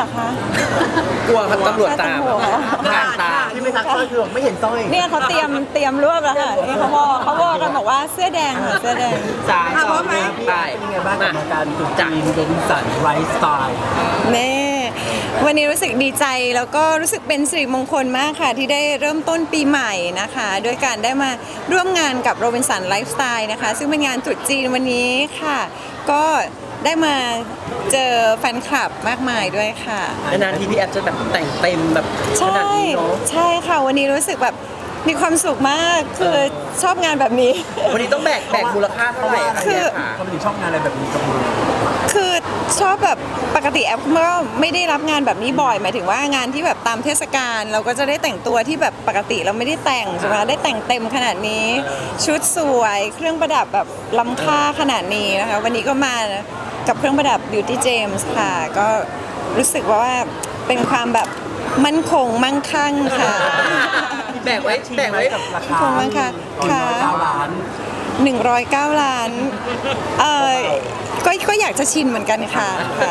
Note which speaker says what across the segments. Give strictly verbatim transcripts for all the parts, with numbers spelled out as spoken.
Speaker 1: เหรอคะ
Speaker 2: กลัวตำรวจตาม
Speaker 1: ค่ะ
Speaker 2: ผ่านตา
Speaker 3: ที่ไม่ทักสร้อยคือบอกไม่เห็นสร้อย
Speaker 1: เนี่ยเขาเตรียมเตรียมรวบแล้วค่ะนี่เขาบอกเขาบอกกันบอกว่าเสื้อแดงค่ะเสื้อแดง
Speaker 2: สามสองหนึ่งไป
Speaker 3: เป็นยังไงบ้างกับการตรุษจีนโรบินสันไลฟ์สไตล์
Speaker 1: แม่วันนี้รู้สึกดีใจแล้วก็รู้สึกเป็นสิริมงคลมากค่ะที่ได้เริ่มต้นปีใหม่นะคะโดยการได้มาร่วมงานกับโรบินสันไลฟ์สไตล์นะคะซึ่งเป็นงานตรุษจีนวันนี้ค่ะ ก็ได้มาเจอแฟนคลับมากมายด้วยค่ะ
Speaker 2: นานๆทีพี่แอฟจะแบบแต่งเต็มแบบข
Speaker 1: ใช่
Speaker 2: นาดนี้เนาะ
Speaker 1: ใช่ค่ะวันนี้รู้สึกแบบมีความสุขมากคือชอบงานแบบนี้
Speaker 2: วันนี้ต้องแบกแบกมูลค่าเท่าไหร่ะ
Speaker 1: คือ
Speaker 2: พี่แฟะ
Speaker 3: เขาไม่ถึงชอบงานอะไรแบบนี้กับมือ
Speaker 1: คือชอบแบบปกติแอปก็ไม่ได้รับงานแบบนี้บ่อยหมายถึงว่างานที่แบบตามเทศกาลเราก็จะได้แต่งตัวที่แบบปกติเราไม่ได้แต่งใช่ไหมได้แต่งเต็มขนาดนี้ ชุดสวยเครื่องประดับแบบล้ำค่าขนาดนี้นะคะวันนี้ก็มากับเครื่องประดับ Beauty James ค่ะ ก็รู้สึกว่าเป็นความแบบมั่นคงมั่งคั่งค่ะ
Speaker 2: แบกไว้แบกไว้
Speaker 3: กับราคา
Speaker 1: ขอบคุณมากค่ะ
Speaker 3: ตอนร้อยเก้าล้าน
Speaker 1: หนึ่งร้อยเก้าล้านเออก็ก็อยากจะชินเหมือนกันค่ะค่ะ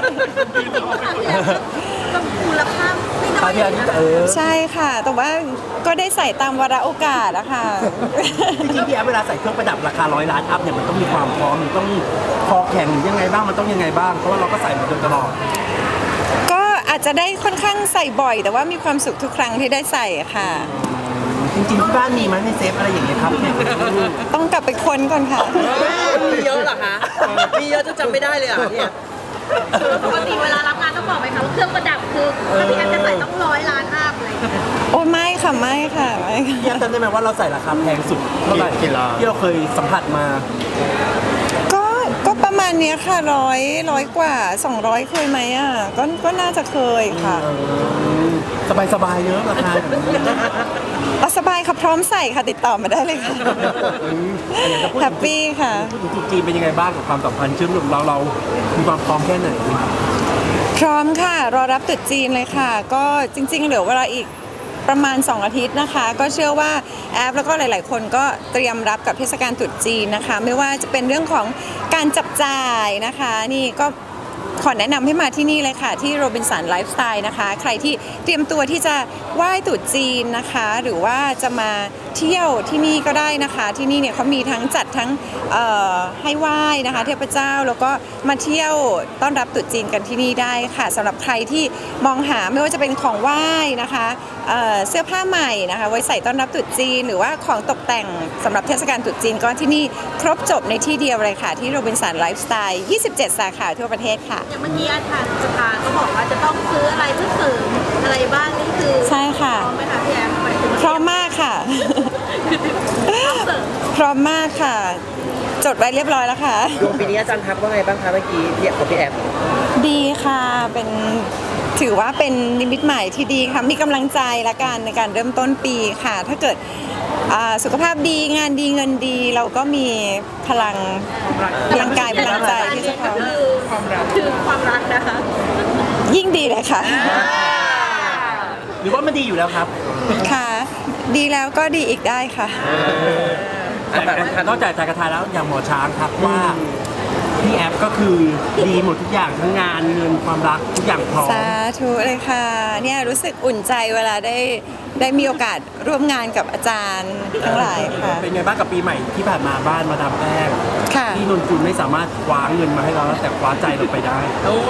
Speaker 4: มูลค่าไม่น้
Speaker 3: ต
Speaker 4: อ
Speaker 3: อน
Speaker 4: ย
Speaker 3: ที่อันนี้เออ
Speaker 1: ใช่ค่ะ แต่ว่าก็ได้ใส่ตามวาระโอกาสอะค่ะ
Speaker 3: จริงๆพี่แอฟเวลาใส่เครื่องประดับราคาร้อยล้านอัพเนี่ยมันต้องมีความพร้อมมันต้องคอแข็งหรือยังไงบ้างมันต้องยังไงบ้างเพราะว่าเราก็ใส่มาโดยตลอด
Speaker 1: ก็อาจจะได้ค่อนข้างใส่บ่อย แต่ว่ามีความสุขทุกครั้งที่ได้ใส่ค่ะ
Speaker 3: จริงๆที่บ้านมีไหมในเซฟอะไรอย่างเงี้ยครับเนี่ย
Speaker 1: ต้องกลับไปค้นก่อนค่ะ
Speaker 2: มีเยอะเหรอคะมีเยอะจนจำไม่ได้เลยอ่ะพี่แอฟ
Speaker 4: ปกติเวลารับงานต้องบอกไหมคะว่าเครื่องประดับคือถ้าพี่แอฟจะใส่ต้องร้อยล้านอัพเลย
Speaker 1: โอ้ไม่ค่ะไม่ค่ะไม่ค่ะ
Speaker 3: พี่แอฟจำได้ไหมว่าเราใส่ราคาแพงสุดเท่าไหร่ที่เราเคยสัมผัสมา
Speaker 1: ก็ก็ประมาณเนี้ยค่ะร้อยร้อยกว่าสองร้อยเคยไหมอ่ะก็ก็น่าจะเคยค่ะ
Speaker 3: สบายสบายๆเนอะราคาแบบนี้
Speaker 1: เอาสบายค่ะพร้อมใส่ค่ะติดต่อมาได้เลยค่ะแฮปปี้ค่ะ
Speaker 3: พูดถึงจุดจีนเป็นยังไงบ้างกับความสัมพันธ์เชื่อมโยงเราเรามีความพร้อมแค่ไหน
Speaker 1: พร้อมค่ะ รอรับตรุษจีนเลยค่ะ ก็จริงๆเหลือเวลาอีกประมาณสองอาทิตย์นะคะ ก็เชื่อว่าแอปแล้วก็หลายๆ คนก็เตรียมรับกับเทศกาลตรุษจีนนะคะ ไม่ว่าจะเป็นเรื่องของการจับจ่ายนะคะ นี่ก็ขอแนะนำให้มาที่นี่เลยค่ะที่โรบินสันไลฟ์สไตล์นะคะ ใครที่เตรียมตัวที่จะไหว้ตรุษจีนนะคะ หรือว่าจะมาเที่ยวที่นี่ก็ได้นะคะ ที่นี่เนี่ยเขามีทั้งจัดทั้งเอ่อให้ไหว้นะคะเทพเจ้าแล้วก็มาเที่ยวต้อนรับตรุษจีนกันที่นี่ได้ค่ะสำหรับใครที่มองหาไม่ว่าจะเป็นของไหว้นะคะเอ่อเสื้อผ้าใหม่นะคะไว้ใส่ต้อนรับตรุษจีนหรือว่าของตกแต่งสำหรับเทศกาลตรุษจีนก็ที่นี่ครบจบในที่เดียวเลยค่ะที่โรบินสันไลฟ์สไตล์ยี่สิบเจ็ดสาขาทั่วประเทศค่ะ
Speaker 4: อย่างเมื่อกี้อาจารย์สภาก็บอกว่าจะต้องซื้ออะไรเพื่อเสริมอะไรบ้างนี่คือ
Speaker 1: ใช่ค่ะ
Speaker 4: พร้อมไหมคะพี่แอฟหมายถึง
Speaker 1: พร้อมมากค่ะ
Speaker 4: ต้องเสริม
Speaker 1: พร้อมมากค่ะ จดไว้เรียบร้อยแล้วค่ะ
Speaker 2: ดวงปีนี้อาจารย์ทักว่าไงบ้างคะเมื่อกี้พี่แอฟกับพี่แอฟ
Speaker 1: ดีค่ะเป็นถือว่าเป็นนิมิตใหม่ที่ดีค่ะมีกำลังใจละกันในการเริ่มต้นปีค่ะ ถ้าเกิดอ่าสุขภาพดีงานดีเงินดีเราก็มีพลังพลังกายพลังใจที่จะพร้อม
Speaker 4: คือความรักคือความรักนะคะ
Speaker 1: ยิ่งดีเลยค่ะ
Speaker 3: หรือว่ามันดีอยู่แล้วครับ
Speaker 1: ค่ะ ดีแล้วก็ดีอีกได้ค่ะ
Speaker 3: แต่นอกจากจากกระทายแล้วอย่างหมอช้างทักว่าพี่แอฟก็คือดีหมดทุกอย่างทั้งงานเงินความรักทุกอย่างพร้อม
Speaker 1: สาธุเลยค่ะเนี่ยรู้สึกอุ่นใจเวลาได้ได้มีโอกาสร่วมงานกับอาจารย์ทั้งหลายค่ะ
Speaker 3: เป็นไงบ้างกับปีใหม่ที่ผ่านมาบ้านมาดามแป้ง
Speaker 1: ค่ะ
Speaker 3: ที่นนกุลไม่สามารถคว้าเงินมาให้เราแล้วแต่คว้าใจเราไปได้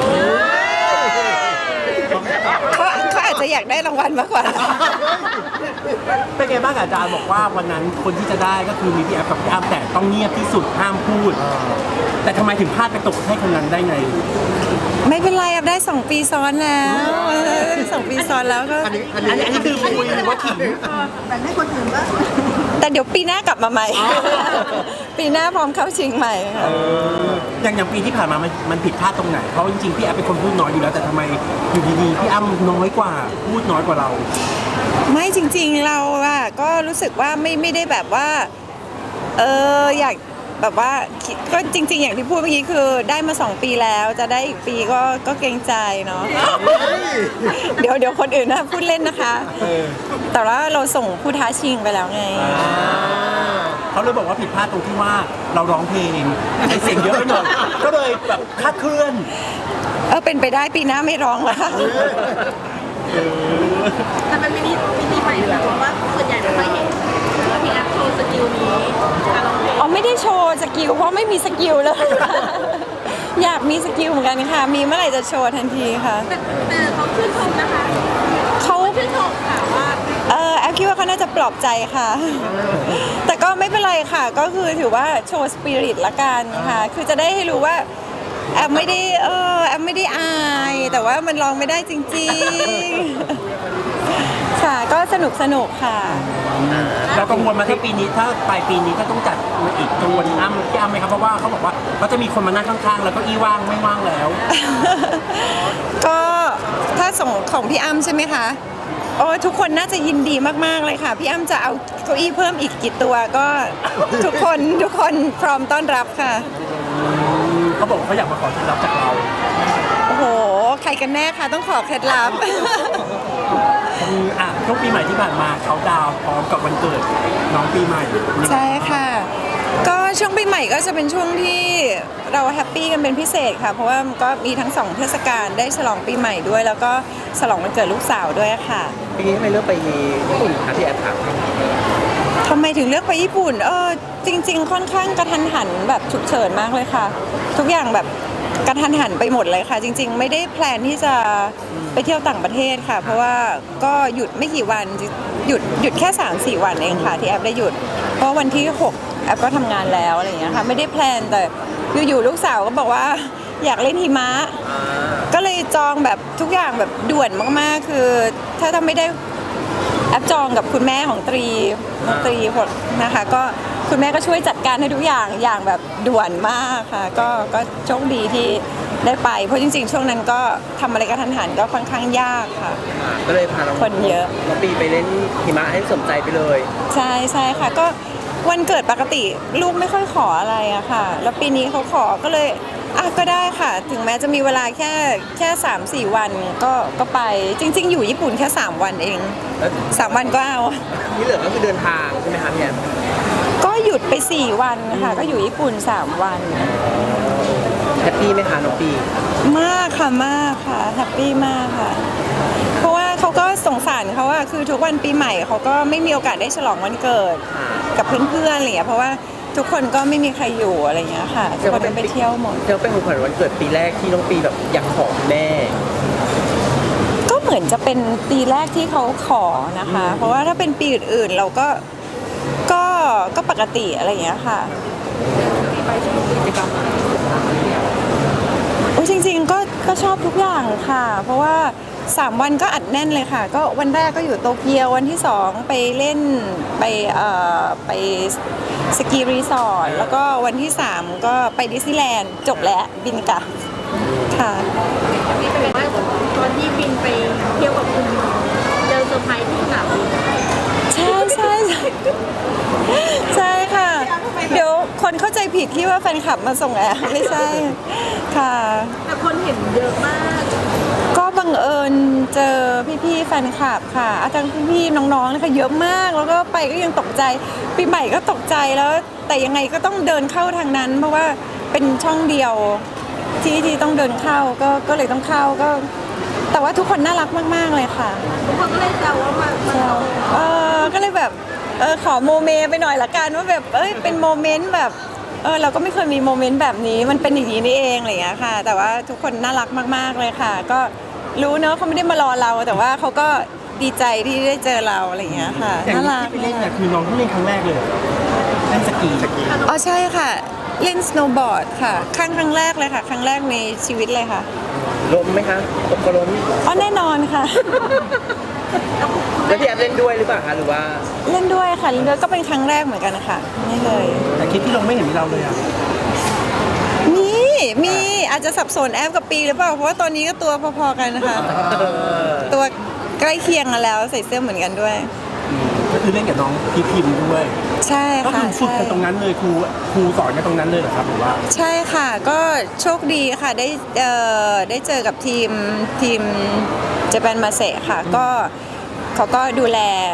Speaker 1: เขาเขาอาจจะอยากได้รางวัลมากกว่า
Speaker 3: เป็นไงบ้างอาจารย์บอกว่าวันนั้นคนที่จะได้ก็คือมีพี่แอฟกับพี่อ้ำแต่ต้องเงียบที่สุดห้ามพูด แต่ทำไมถึงพลาดไปตกให้คนนั้นได้ไง
Speaker 1: ไม่เป็นไรอับได้สองปีซ้อนแล้วสองปีซ้อนแล้วก็
Speaker 3: อันนี้อันนี้อันนี้คือคุยหรือว่าขิง
Speaker 4: แบ่งให้คนอื่นบ้าง
Speaker 1: แต่เดี๋ยวปีหน้ากลับมาใหม่ ปีหน้าพร้อมเข้าชิงใหม่ค่ะ
Speaker 3: อย่างอย่างปีที่ผ่านมามันมันผิดพลาดตรงไหนเพราะจริงๆพี่แอฟเป็นคนพูดน้อยอยู่แล้วแต่ทำไมอยู่ดีๆพี่อ้ำน้อยกว่าพูดน้อยกว่าเรา
Speaker 1: ไม่จริงๆเราอะก็รู้สึกว่าไม่ไม่ได้แบบว่า เอออยากแบบว่าคิดก็จริง ๆ อย่างที่พูดเมื่อกี้คือได้มาสองปีแล้วจะได้อีกปีก็ก็เกรงใจเนาะ เดี๋ยวเดี๋ยวคนอื่นนะพูดเล่นนะคะ แต่ว่าเราส่งผู้ท้าชิงไปแล้วไง
Speaker 3: เขาเลยบอกว่าผิดพลาดตรงที่ว่าเราร้องเพลงใช้เสียงเยอะไปหน่อยก็เลยแบบคลาดเคลื่อน
Speaker 1: เออเป็นไปได้ปีหน้าไม่ร้องแล้วค่ะ
Speaker 4: แต่มันมินิมินิใหม่นะเพราะว่าส่วนใหญ่ไม่ค่อยเห็นว่าพี่แอฟโชว์สกิลนี้การร้องเพลง
Speaker 1: อ๋อไม่ได้โชว์สกิลเพราะไม่มีสกิลเลย อยากมีสกิลเหมือนกันค่ะ มีเมื่อไหร่จะโชว์ทันทีค่ะ
Speaker 4: แต่แต่เขาชื่นชมนะคะ
Speaker 1: เขา
Speaker 4: ชื่นชมค่ะว่า
Speaker 1: เออแอฟคิดว่าเขาน่าจะปลอบใจค่ะ แต่ก็ไม่เป็นไรค่ะ ก็คือถือว่าโชว์สปิริตละกันค่ะ คือจะได้ให้รู้ว่าแอฟไม่ได้เออแอฟไม่ได้อาย แต่ว่ามันร้องไม่ได้จริงๆ ค่ะ ก็สนุกสนุกค่ะ
Speaker 3: เรากังวลมาที่ปีนี้ถ้าปลายปีนี้ถ้าต้องจัดมาอีกกังวลอ้ำพี่อ้ำไหมครับเพราะว่าเขาบอกว่าเขาจะมีคนมานั่งข้างๆ แล้วก็อี้ว่างไม่ว่างแล้ว
Speaker 1: ก็ถ้าส่งของพี่อ้ำใช่ไหมคะโอ้ทุกคนน่าจะยินดีมากๆเลยค่ะ พี่อ้ำจะเอาเก้าอี้เพิ่มอีกกี่ตัวก็ ทุกคนทุกคนพร้อมต้อนรับค่ะ
Speaker 3: เขาบอกเขาอยากมาขอเคล็ดลับจากเรา
Speaker 1: โอ้โห ใครกันแน่คะต้องขอเคล็ดลับ
Speaker 3: อืมอ่ะช่วงปีใหม่ที่ผ่านมาเขาดาวน์พร้อมกับวันเกิดน้องปีใหม่
Speaker 1: ใช่ค่ะ ก็ช่วงปีใหม่ก็จะเป็นช่วงที่เราแฮปปี้กันเป็นพิเศษค่ะ เพราะว่ามันก็มีทั้งสองเทศกาลได้ฉลองปีใหม่ด้วย แล้วก็ฉลองวันเกิดลูกสาวด้วยค่ะ
Speaker 2: ปีนี้ทำไมเลือกไปญี่ปุ่นคะพี่แอฟครับ
Speaker 1: ทำไมถึงเลือกไปญี่ปุ่น เออจริง ๆ ค่อนข้างกระทันหันแบบฉุกเฉินมากเลยค่ะ ทุกอย่างแบบกระทันหันไปหมดเลยค่ะ จริง ๆ ไม่ได้แพลนที่จะไปเที่ยวต่างประเทศค่ะ เพราะว่าก็หยุดไม่กี่วันหยุดหยุดแค่ สามสี่ วันเองค่ะที่แอปได้หยุด เพราะวันที่หกแอปก็ทำงานแล้วอะไรอย่างเงี้ยค่ะไม่ได้แพลนแต่อยู่ๆลูกสาวก็บอกว่าอยากเล่นหิมะ ก็เลยจองแบบทุกอย่างแบบด่วนมากๆ คือถ้าทำไม่ได้ แอปจองกับคุณแม่ของตรีน้องตรีผลนะคะ ก็คุณแม่ก็ช่วยจัดการให้ทุกอย่างอย่างแบบด่วนมากค่ะ ก็ก็โชคดีที่ได้ไป เพราะจริงๆ ช่วงนั้นก็ทำอะไรกระทันหันก็ค่อนข้างยากค่ะ
Speaker 2: ก็เลยพาน้อง
Speaker 1: คนเยอะ
Speaker 2: น้องปีไปเล่นหิมะให้สมใจไปเลย
Speaker 1: ใช่ใช่ค่ะ ก็วันเกิดปกติลูกไม่ค่อยขออะไรอะค่ะ แล้วปีนี้เขาขอก็เลยอ่ะก็ได้ค่ะ ถึงแม้จะมีเวลาแค่แค่สามสี่วันก็ก็ไปจริง ๆ อยู่ญี่ปุ่นแค่สามวันเอง
Speaker 2: แล้ว
Speaker 1: สามวันก็เอา
Speaker 2: ที่เหลือก็คือเดินทางใช่ไหมคะพี่แอฟ
Speaker 1: ก็หยุดไปสี่วันค่ะ ก็อยู่ญี่ปุ่นสามวัน
Speaker 2: แฮปปี้ไหมคะน้องปี
Speaker 1: มากค่ะมากค่ะแฮปปี้มากค่ะ เพราะว่าเขาก็สงสารเขาอะคือทุกวันปีใหม่เขาก็ไม่มีโอกาสได้ฉลองวันเกิดกับเพื่อนๆอะไรอย่างเงี้ยเพราะว่าทุกคนก็ไม่มีใครอยู่อะไรอย่างเงี้ยค่ะทุกคนก็ไปเที่ยวหมด
Speaker 2: เที่ยวเป็นของขวัญวันเกิดปีแรกที่น้องปีแบบอยากขอคุณแม่
Speaker 1: ก็เหมือนจะเป็นปีแรกที่เขาขอนะคะ เพราะว่าถ้าเป็นปีอื่นๆเราก็ก็ก็ปกติอะไรอย่างเงี้ยค่ะโอ้จริงๆก็ก็ชอบทุกอย่างค่ะ เพราะว่าสามวันก็อัดแน่นเลยค่ะ ก็วันแรกก็อยู่โตเกียววันที่สองไปเล่นไปเอ่อไปสกีรีสอร์ทแล้วก็วันที่สามก็ไปดิสนีย์แลนด์จบแล้วบินกลับค่ะ
Speaker 4: นี่เป็นว่าตอนที่บินไปเที่ยวกับคุณเจอเซอร์ไพรส์ที่สนามบิน
Speaker 1: ใช่ใช่ใช่ใช่ค่ะ เดี๋ยวคนเข้าใจผิดที่ว่าแฟนคลับมาส่งแอร์ไม่ใช่ค่ะ
Speaker 4: แต่คนเห็นเยอะมาก
Speaker 1: ก็บังเอิญเจอพี่ๆแฟนคลับค่ะอาจารย์พี่ๆน้องๆนะคะเยอะมากแล้วก็ไปก็ยังตกใจปีใหม่ก็ตกใจแล้ว แต่ยังไงก็ต้องเดินเข้าทางนั้น เพราะว่าเป็นช่องเดียวที่ที่ต้องเดินเข้าก็ก็เลยต้องเข้าก็ แต่ว่าทุกคนน่ารักมากๆเลยค่ะ
Speaker 4: ทุกคนก็เลยแซวว่ามามาลอง
Speaker 1: เออก็เลยแบบเออขอโมเมไปหน่อยละกันว่าแบบเอ้ยเป็นโมเมนต์แบบเออเราก็ไม่เคยมีโมเมนต์แบบนี้มันเป็นอย่างนี้นี่เองอะไรอย่างเงี้ยค่ะ แต่ว่าทุกคนน่ารักมากๆเลยค่ะ ก็รู้เนอะเขาไม่ได้มารอเรา แต่ว่าเขาก็ดีใจที่ได้เจอเราอะไรอย่างเงี้ยค่ะ
Speaker 3: อย่าง
Speaker 1: น่า
Speaker 3: ที่
Speaker 1: รัก
Speaker 3: ไปเล่นเนี่ยคือน้องเพิ่งเล่นครั้งแรกเลยเล่นสกีสกี
Speaker 1: อ๋อใช่ค่ะ เล่นสโนว์บอร์ดค่ะครั้งครั้งแรกเลยค่ะ ครั้งแรกในชีวิตเลยค่ะ
Speaker 2: ล้มไหมคะตกก็ล้ม
Speaker 1: อ๋อแน่นอนค่ะ
Speaker 2: แล้วพี่แอฟเล่นด้วยหรือเปล่าคะหรือว่า
Speaker 1: เล่นด้วยค่ะเล่นด้วยก็เป็นครั้งแรกเหมือนกันค่ะนี่เลย
Speaker 3: แต่คลิปที่ลงไม่เห็นมีเราเลยอ่ะ
Speaker 1: มีมีอาจจะสับสนแอปกับปีหรือเปล่า เพราะว่าตอนนี้ก็ตัวพอๆกันนะคะ ตัวใกล้เคียงกันแล้วใส่เสื้อเหมือนกันด้วย
Speaker 3: ก็คือเล่นกับน้องพีพิมพ์ด้วย
Speaker 1: ใช่
Speaker 3: ก็
Speaker 1: ค่ะ
Speaker 3: คือฝึก
Speaker 1: ใช่
Speaker 3: กันตรงนั้นเลยครูครูสอนกันตรงนั้นเลยเหรอครับหรือว่า
Speaker 1: ใช่ค่ะ ก็โชคดีค่ะได้เอ่อได้เจอกับทีมทีมเจแปนมาเซค่ะ ก็เขาก็ดูแล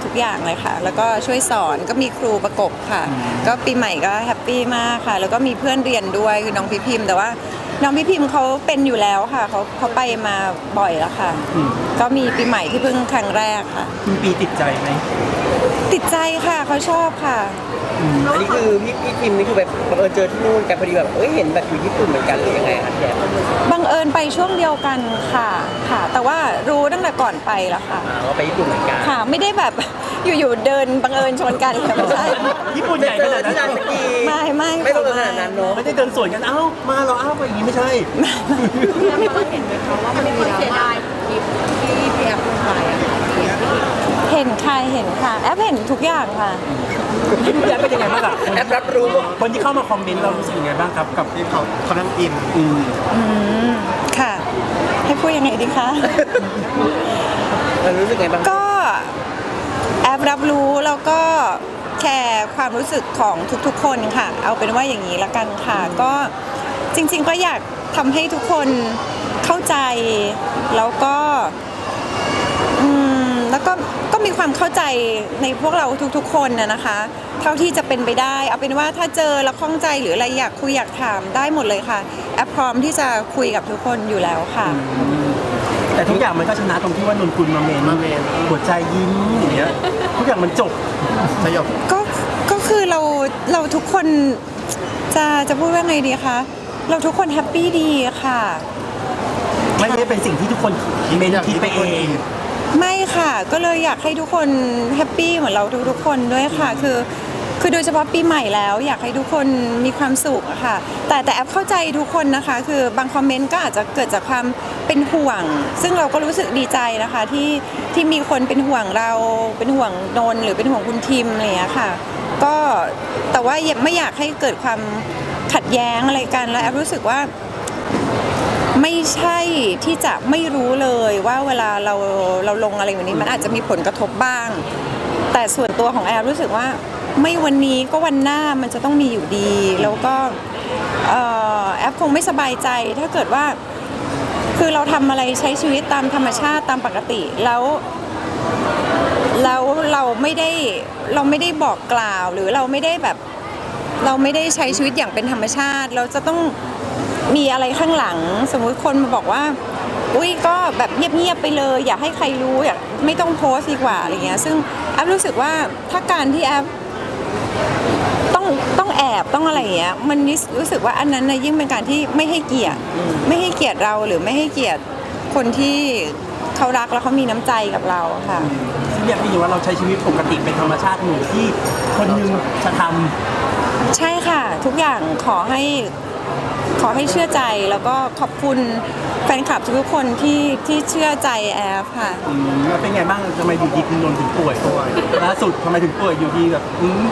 Speaker 1: ทุกอย่างเลยค่ะ แล้วก็ช่วยสอนก็มีครูประกบค่ะ ก็ปีใหม่ก็แฮปปี้มากค่ะ แล้วก็มีเพื่อนเรียนด้วยคือน้องพี่พิมพ์แต่ว่าน้องพี่พิมพ์เขาเป็นอยู่แล้วค่ะเขาเขาไปมาบ่อยแล้วค่ะ ก็มีปีใหม่ที่เพิ่งครั้งแรกค่ะ
Speaker 3: คุณปีติดใจไหม
Speaker 1: ติดใจค่ะเขาชอบค่ะ
Speaker 2: อันนี้คือพี่พี่ทิมนี่คือแบบบังเอิญเจอที่นู่นกันพอดีแบบเอ้ยเห็นแบบอยู่ญี่ปุ่นเหมือนกันหรือยังไงคะพี่แอฟ
Speaker 1: บังเอิญไปช่วงเดียวกันค่ะค่ะ แต่ว่ารู้ตั้งแต่ก่อนไปแล้วค่ะ
Speaker 2: อ่าว่าไปญี่ปุ่นเหมือนกัน
Speaker 1: ค่ะไม่ได้แบบ อยู่ๆเดินบังเอิญชนกันค่ะไม่ใช่
Speaker 3: ญี่ปุ่นใหญ่ขนาดนั้น
Speaker 2: ที่ร้านสกี
Speaker 1: ไม่ไม่
Speaker 2: ไม่ต้องขนาดนั้นเนาะ
Speaker 3: ไม่ได้เดินสวนกันเอ้ามาเราเอ้าไปอย่างนี้ไม่ใช่
Speaker 4: แล้วเราเห็นไหมคะว่ามันมีคนเสียดายคลิปที่พี่แอฟลงไปอะค่ะที่แอฟที่
Speaker 1: เห็นค่ะเห็นค่ะแอปเห็นทุกอย่างค่ะ
Speaker 3: พี่แอฟเป็นยังไงบ้างอะ
Speaker 2: แอปรับรู้ว่า
Speaker 3: คนที่เข้ามาคอมเมนต์เรารู้สึกยังไงบ้างครับกับที่เขาเขานั่งอินอืม
Speaker 1: อืมค่ะ ให้พูดยังไงดีคะ
Speaker 2: เรารู้สึกไงบ้าง
Speaker 1: ก็แอปรับรู้แล้วก็แคร์ความรู้สึกของทุกๆ คนค่ะ เอาเป็นว่าอย่างนี้ละกันค่ะ ก็จริงๆก็อยากทำให้ทุกคนเข้าใจแล้วก็อืมแล้วก็ก็มีความเข้าใจในพวกเราทุกๆ คนนะนะคะ เท่าที่จะเป็นไปได้ เอาเป็นว่าถ้าเจอแล้วข้องใจหรืออะไรอยากคุยอยากถามได้หมดเลยค่ะแอปพร้อมที่จะคุยกับทุกคนอยู่แล้วค่ะ
Speaker 3: แต่ทุกอย่างมันก็ชนะตรงที่ว่านนคุณมาเมนหัวใจยิ้มอย่างเงี้ยทุกอย่างมันจบสยบ
Speaker 1: ก็ก็คือเราเราทุกคนจะจะพูดว่าไงดีคะเราทุกคนแฮปปี้ดีค่ะ
Speaker 3: ไม่ได้เป็นสิ่งที่ทุกคนเมนคิดไปเอง
Speaker 1: ไม่ค่ะ ก็เลยอยากให้ทุกคนแฮปปี้เหมือนเราทุกๆคนด้วยค่ะ คือคือโดยเฉพาะปีใหม่แล้ว อยากให้ทุกคนมีความสุขอะค่ะ แต่แต่แอปเข้าใจทุกคนนะคะ คือบางคอมเมนต์ก็อาจจะเกิดจากความเป็นห่วง ซึ่งเราก็รู้สึกดีใจนะคะที่ที่มีคนเป็นห่วงเราเป็นห่วงนนท์หรือเป็นห่วงคุณทิมอะไรอย่างเงี้ยค่ะ ก็แต่ว่าไม่อยากให้เกิดความขัดแย้งอะไรกันแล้วแอปรู้สึกว่า ไม่ใช่ที่จะไม่รู้เลยว่าเวลาเราเราลงอะไรแบบนี้มันอาจจะมีผลกระทบบ้าง แต่ส่วนตัวของแอลรู้สึกว่าไม่วันนี้ก็วันหน้ามันจะต้องมีอยู่ดี แล้วก็เอ่อแอปคงไม่สบายใจถ้าเกิดว่าคือเราทำอะไรใช้ชีวิตตามธรรมชาติตามปกติแล้ว แล้วเราไม่ได้เราไม่ได้บอกกล่าวหรือเราไม่ได้แบบเราไม่ได้ใช้ชีวิตอย่างเป็นธรรมชาติ เราจะต้องมีอะไรข้างหลัง สมมุติคนมาบอกว่าอุ้ยก็แบบเงียบๆไปเลยอย่าให้ใครรู้อย่าไม่ต้องโพสต์ดีกว่าอะไรเงี้ยซึ่งแอปรู้สึกว่าถ้าการที่แอปต้องต้องแอบต้องอะไรอย่างเงี้ยมันรู้สึกว่าอันนั้นนะยิ่งเป็นการที่ไม่ให้เกียรติไม่ให้เกียรติเราหรือไม่ให้เกียรติคนที่เขารักแล้วเขามีน้ำใจกับเราค่ะ
Speaker 3: ซึ่งอยากให้รู้ว่าเราใช้ชีวิตปกติเป็นธรรมชาติหนึ่งที่คนหนึงจะทำ
Speaker 1: ใช่ค่ะ ทุกอย่างขอให้ขอให้เชื่อใจแล้วก็ขอบคุณแฟนคลับทุกๆคนที่ที่เชื่อใจแอฟค่ะ
Speaker 3: อืมแล้วเป็นไงบ้างทำไมอยู่ดีคุณนนท์ถึงป่วยล่าสุดทำไมถึงป่วยอยู่ดีแบบอืม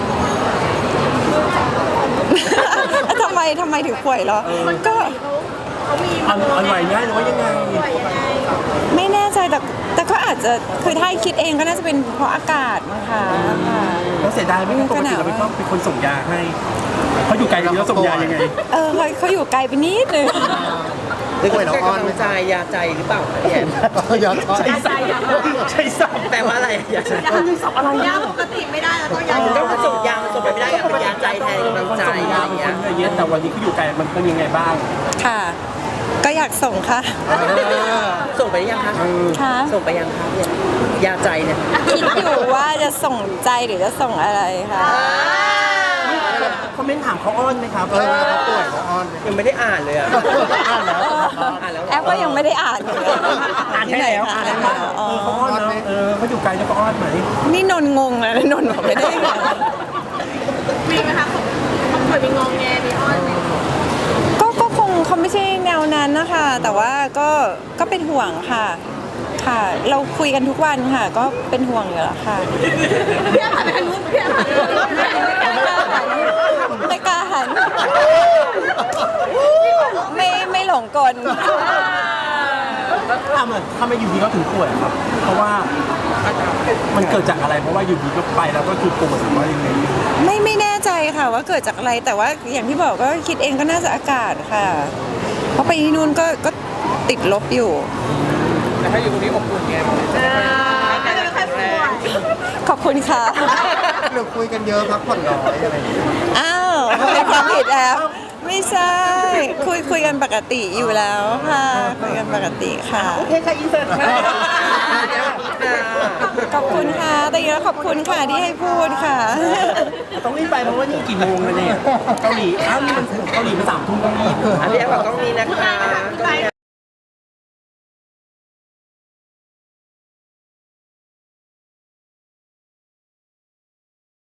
Speaker 1: ทำไมทำไมถึงป่วยเหรอก็
Speaker 4: เขามี
Speaker 3: อ่อนอ่อนไหวง่ายหรือว่ายังไง
Speaker 4: ป่วยยังไง
Speaker 1: ไม่แน่ใจแต่แต่ก็อาจจะคือถ้าคิดเองก็น่าจะเป็นเพราะอากาศมั้งคะค่ะ
Speaker 3: แล้วเสียดายไหมปกติเราเป็นคนเป็นคนส่งยาให้เขาอยู่ไกลแล้วส่งยายังไง
Speaker 1: เออเขาเขาอยู่ไกลไปนิดนึง
Speaker 2: หรือเป็นกำลังใจยาใจหรือเปล่าคะพี่แอฟ
Speaker 3: ยาใช้สับใช้สับ
Speaker 2: แปลว่าอะไรยาใจ
Speaker 3: อะไร
Speaker 4: ยาปกติไม่ได้แล้วต้องยา
Speaker 2: ก็คือส่งยามันส่งไปไม่ได้อะเป็นยาใจแทนกำลัง
Speaker 3: คน
Speaker 2: ใจ
Speaker 3: ส่ง
Speaker 2: อะไร
Speaker 3: ยา
Speaker 2: อย่าง
Speaker 3: เป็น
Speaker 2: เงี้
Speaker 3: ค
Speaker 2: ย
Speaker 3: นเยอะแต่วันนี้เขาอยู่ไกลมันเป็นยังไงบ้าง
Speaker 1: ค่ะ ก็อยากส่งค่ะ
Speaker 2: ส่งไปหรือยังคะ
Speaker 1: ค่ะ
Speaker 2: ส่งไปยังคะเนี่ยยาใจเนี่ย
Speaker 1: คิดอยู่ว่าจะส่งใจหรือจะส่งอะไรค่ะ
Speaker 3: คอมเมนต์ถามเขาอ้อนไหมครับเออเขาป่วยเขาอ้อน
Speaker 2: ยังไม่ได้อ่านเลยอ่ะ
Speaker 3: อ่านแล้ว
Speaker 2: อ่านแล้ว
Speaker 1: แอปก็ยังไม่ได้อ่านอยู่เลย
Speaker 3: อ่านแค่ไหนอ่านแล้ว
Speaker 1: อ๋อ
Speaker 3: เออเขาอ้อนเนาะเออเขาอยู่ไกลแล้วเขาอ้อนไหม
Speaker 1: นี่นนท์งงเลยนนท์บอกไม่ได้ไง
Speaker 4: มีไหมคะเขาเคยมีงองแงมีอ้อนไหม
Speaker 1: ก็ก็คงเขาไม่ใช่แนวนั้นนะคะ แต่ว่าก็ก็เป็นห่วงค่ะ ค่ะ เราคุยกันทุกวันค่ะ ก็เป็นห่วงอยู่แล้วค่ะ
Speaker 4: พี่ผ่านไปทางนู้นพี่ผ่านไปทางนู้น
Speaker 1: ไม่กล้าหันไม่ไม่หลงกล
Speaker 3: ทำไมทำไมอยู่ดีเขาถึงป่วยครับ เพราะว่ามันเกิดจากอะไร เพราะว่าอยู่ดีก็ไปแล้วก็คือป่วยหรือว่ายังไง
Speaker 1: ไม่ไม่แน่ใจค่ะว่าเกิดจากอะไร แต่ว่าอย่างที่บอกก็คิดเองก็น่าจะอากาศค่ะ เพราะไปที่นู่นก็ก็ติดลบอยู่
Speaker 2: แต่ถ้าอยู่ตรงนี้อบอุ่นไง
Speaker 4: ก็จะไม่ค่อยป่วย
Speaker 1: ขอบคุณค่ะ
Speaker 5: หรือคุยกันเยอะพักผ่อนน้อยอะไรอย่างเงี้ย
Speaker 1: อ้าวเป็นความผิดแอฟไม่ใช่ คุยคุยกันปกติอยู่แล้วค่ะ คุยกันปกติค่ะ
Speaker 2: โอเคค่ะอินเสิร์ตค่ะ
Speaker 1: ขอบคุณค่ะ แต่ยังขอบคุณค่ะที่ให้พูดค่ะ
Speaker 3: ต้องรีบไปเพราะว่านี่กี่โมงแล้วเนี่ยเกาหลีอ้าวนี่มันเกาหลีมันสามทุ่มต้องรีบ
Speaker 2: อันนี้บอกต้องมีนะคะ